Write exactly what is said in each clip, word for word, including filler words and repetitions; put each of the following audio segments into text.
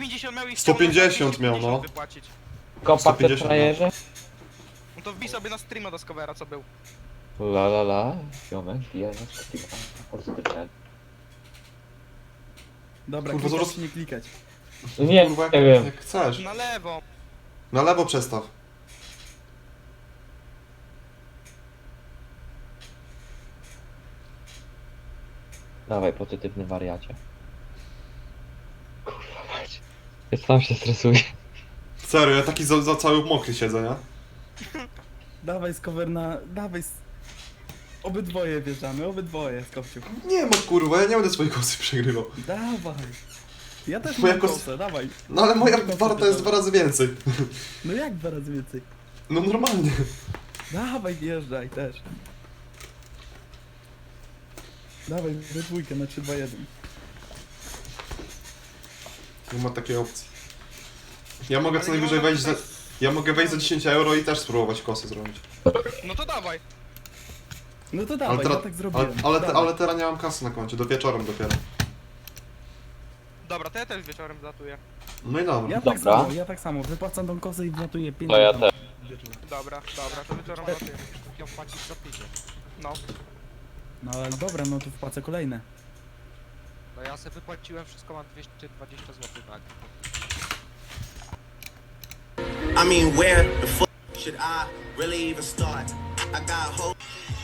pięćdziesiąt miał i sto pięćdziesiąt chciał miał, no. wypłacić. Kopa sto w pięćdziesiąt, frajerze? No to wbij sobie na streama do Scovera, co był. La la la, ziomek, ja na streama, pozytywnie. Dobra, Kurwa, klikać zaraz- czy nie klikać? Nie, Kurwa, jak, nie wiem. jak chcesz. Na lewo. Na lewo przestaw. Dawaj, pozytywny wariacie. Kurwa mać. Ja sam się stresuję. Serio, ja taki za, za cały mokry siedzę, nie? Dawaj z cover na... Dawaj z... Obydwoje wjeżdżamy, obydwoje z kopciu. Nie ma kurwa, ja nie będę swojej kosy przegrywał. Dawaj. Ja też Moja mam kos- kosę, dawaj. No ale moja warta jest dwa razy więcej. No jak dwa razy więcej? No normalnie. Dawaj, wjeżdżaj też. Dawaj, we dwójkę na trzy, dwa, jeden. Nie ma takiej opcji. Ja mogę Ale co nie najwyżej można wejść za... tutaj- Ja mogę wejść za dziesięć euro i też spróbować kosy zrobić. No to dawaj. No to Ale, dawaj, teraz, ja tak ale, zrobiłem. ale, te, Dawaj. ale teraz nie mam kasy na koncie, do wieczorem dopiero. Dobra, to ja też wieczorem zlatuję. No i dobra. Ja tak Dobra. samo, ja tak samo. Wypłacam tą kosę i wlatuję pięć. No ja też. Dobra, dobra, to wieczorem zlatuję. Ją płacić za pięćdziesiąt. No. No ale dobra, no to wpłacę kolejne. No ja sobie wypłaciłem wszystko, mam dwieście dwadzieścia złotych na I mean, where the fuck should I really even start? I got hope.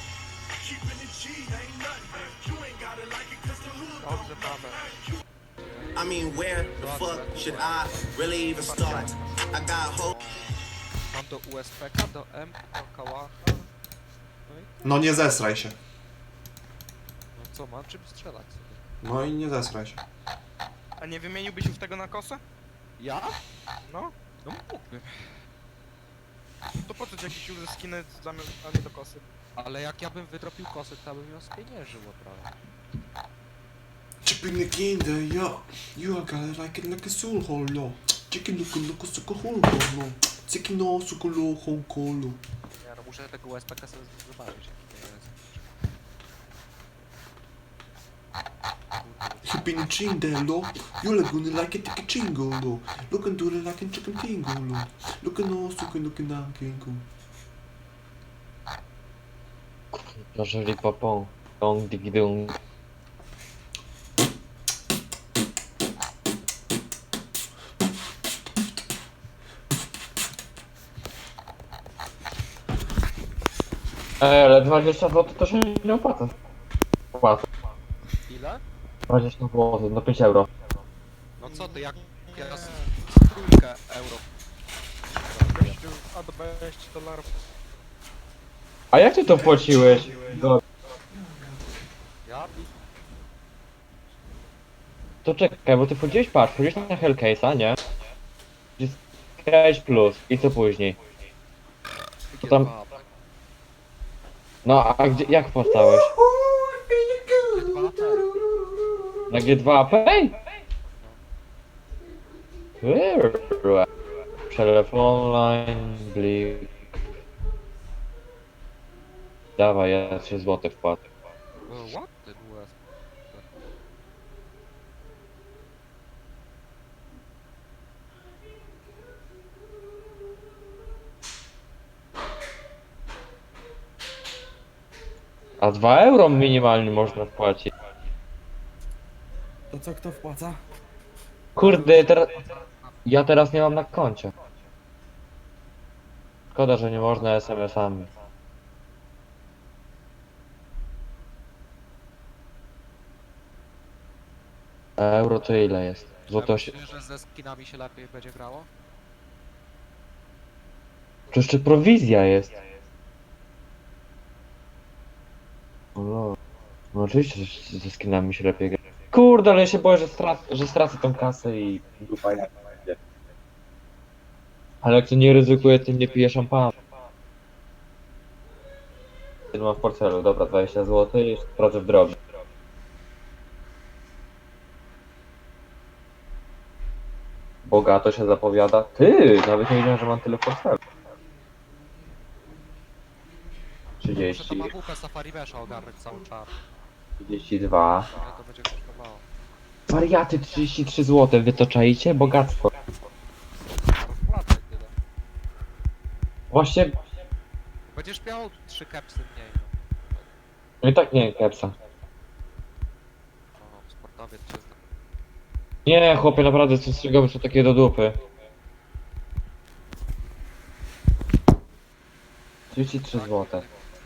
Dobrze, Paweł. I mean, where the fuck should I really even start? I got hope. Mam do U S P K, do M, do Kałacha. No i No nie zesraj się. no co, mam czym strzelać sobie. No i nie zesraj się. A nie wymieniłbyś już tego na kosę? Ja? No. No mógłbym. To po co ci jakieś user skiny zamiast, a nie do kosy? Ale jak ja bym wydropił kosy, to bym ją spieniężył od razu. Chicken the kinder, yo. You are got like it like a soul hole, no. Chicken look look suko hole, no. Chicken no suko lo hole kolo. Ja no muszę tego U S P K sobie zobaczyć, jaki to jest. Chicken chinda, lo. You are gonna like it like a chingo, lo. Look and do it like a chicken tingo, lo. Look and no suko look na kingo. Zażeli popą. Dong digi dung. Ej, ale dwadzieścia złotych to się nie opłaca. Opłaca. Ile? dwadzieścia złotych, no pięć euro. No co ty, jak ja z trójkę euro. Gościu, a do dwadzieścia dolarów. A jak ty to płaciłeś? Do... Ja? To czekaj, bo ty wchodziłeś, patrz, wchodziłeś na Hellcase'a, nie? Jest Case plus i co później? To tam- G dwa, No a gdzie, jak wpłacałeś? G dwa, tak. Na G dwa Pay? Kurwa. Przelew online, blik. Dawaj, ja trzy złote wpłacę. E, What? Ten U S P. A dwa euro minimalnie można wpłacić. To co, kto wpłaca? Kurde, teraz... Ja teraz nie mam na koncie. Szkoda, że nie można es em esami. A euro to ile jest? Złoto się... Myślisz, że ze skinami się lepiej będzie grało? To jeszcze prowizja jest. O, no. No oczywiście, że ze skinami się lepiej gra. Kurde, ale ja się boję, że, strac że stracę tą kasę i dupa jak będzie. Ale jak to nie ryzykuje, tym nie pije szampana. Jeden mam w portfelu, dobra, dwadzieścia złotych i jeszcze sprawdzę w drogę. Bogato się zapowiada. Ty, nawet nie wiedziałem, że mam tyle w portfelu. Muszę to trzydzieści, ma W P Safari Mesha ogarnąć cały czas. trzydzieści dwa. Ile to będzie kosztowało? Wariaty trzydzieści trzy złote, wy to czaicie? Bogactwo. Wpłacaj tyle. Właśnie, Będziesz miał trzy kepsy mniej, no. no i tak nie, kepsa. No, sportowiec cię zna. Nie, chłopie, naprawdę, co strzygowy są takie do dupy. trzydzieści trzy złote.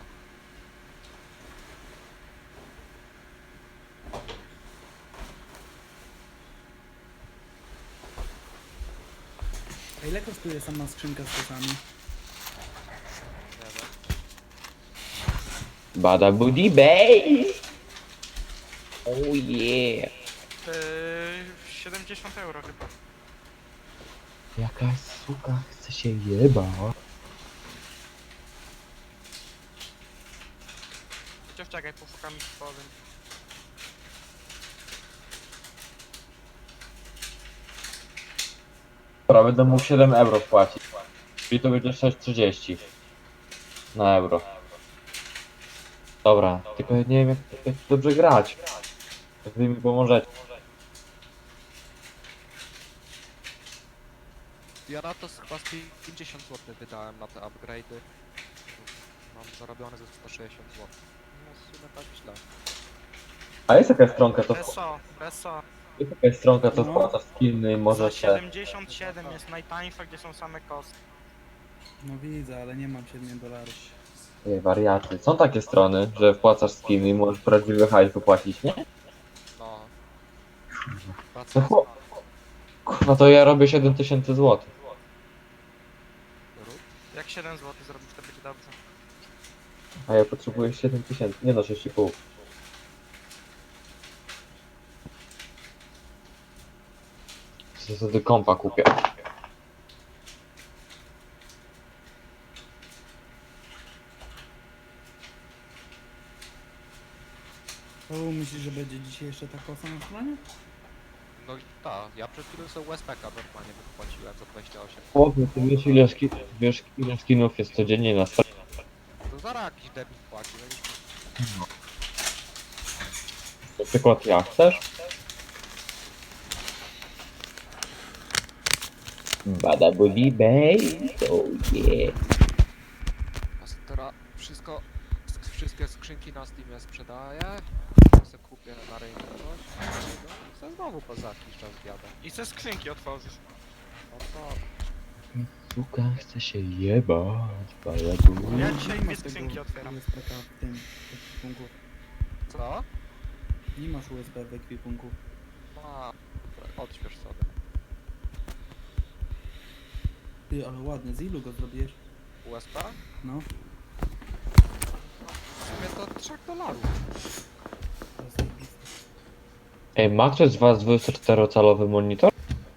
A ile kosztuje sama skrzynka z kosami? Nie wiem. Bada booty babe! Oh yeah! Yy, siedemdziesiąt euro chyba. Jakaś suka chce się jeba. Chociaż czekaj, poszukam ich powiem. Dobra, będę mógł siedem euro wpłacić. Czyli to będzie sześć trzydzieści. Na euro. Dobra, tylko nie wiem jak, jak dobrze grać. Jak wy mi pomożecie. Ja na to chyba z pięćdziesiąt złotych wydałem na te upgrade'y. Mam zarobione ze sto sześćdziesiąt złotych. No w sumie tak źle. A jest jakaś stronka, to Beso, Beso. jest jakaś stronka, co No. wpłacasz skiny i Za może się... siedemdziesiąt siedem jest najtańsza, gdzie są same kostki. No widzę, ale nie mam siedmiu dolarów. Ej, wariaty. Są takie strony, że wpłacasz skiny i możesz prawdziwy hajs wypłacić, nie? No. No Praca chłop. Kurwa, to ja robię siedem tysięcy złotych. rób. Jak siedem złotych zrobisz, to będzie dobrze. A ja potrzebuję siedem tysięcy, nie no sześć i pół. Co wtedy kompa kupię. O, myślisz, że będzie dzisiaj jeszcze ta kosa na stronie? No i tak, ja przed chwilą sobie U S P K normalnie wypłaciłem za dwadzieścia osiem. Chłopie, ty wiesz ile, ski, wiesz ile skinów jest codziennie na stronie? To zaraz jakiś debil płaci, no i Na przykład ja, chcesz? Bada booty babe, oh yeah. a s- teraz wszystko, sk- wszystkie skrzynki na Steamie sprzedaję. Se kupię na rynku coś. No i se znowu poza jakiś czas zjadę. I ze skrzynki otworzysz. No to Suka chce się jebać, bada booty. Ja dzisiaj Nie dwie masz tego skrzynki otwieram. U S P K w tym ekwipunku. co? Nie masz U S B w ekwipunku. Ma, odśwież sobie. Ty, ale ładny, z ilu go zrobiłeś? U S P? No, W sumie to trzech dolarów. to jest zajebiste. Ej, ma ktoś z was dwudziestoczterocalowy monitor?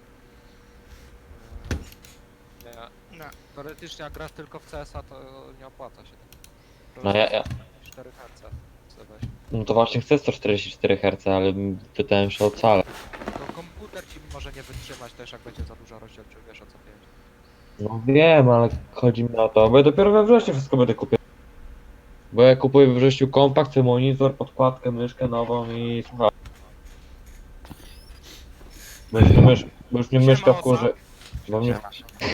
Nie. Nie. Teoretycznie jak grasz tylko w C S a, to nie opłaca się. To No ja, ja, cztery herce sobie weź. no to właśnie chcę sto czterdzieści cztery herce, ale pytałem się o calę. To komputer ci może nie wytrzymać też, jak będzie za duża rozdzielczość, wiesz o co pięć. No wiem, ale chodzi mi o to, bo ja dopiero we wrześniu wszystko będę kupił. Bo ja kupuję we wrześniu kompakt, monitor, podkładkę, myszkę nową i słuchaj. Bo już mnie, mysz, bo już mnie Siema, myszka Osa. wkurzy. Bo mnie,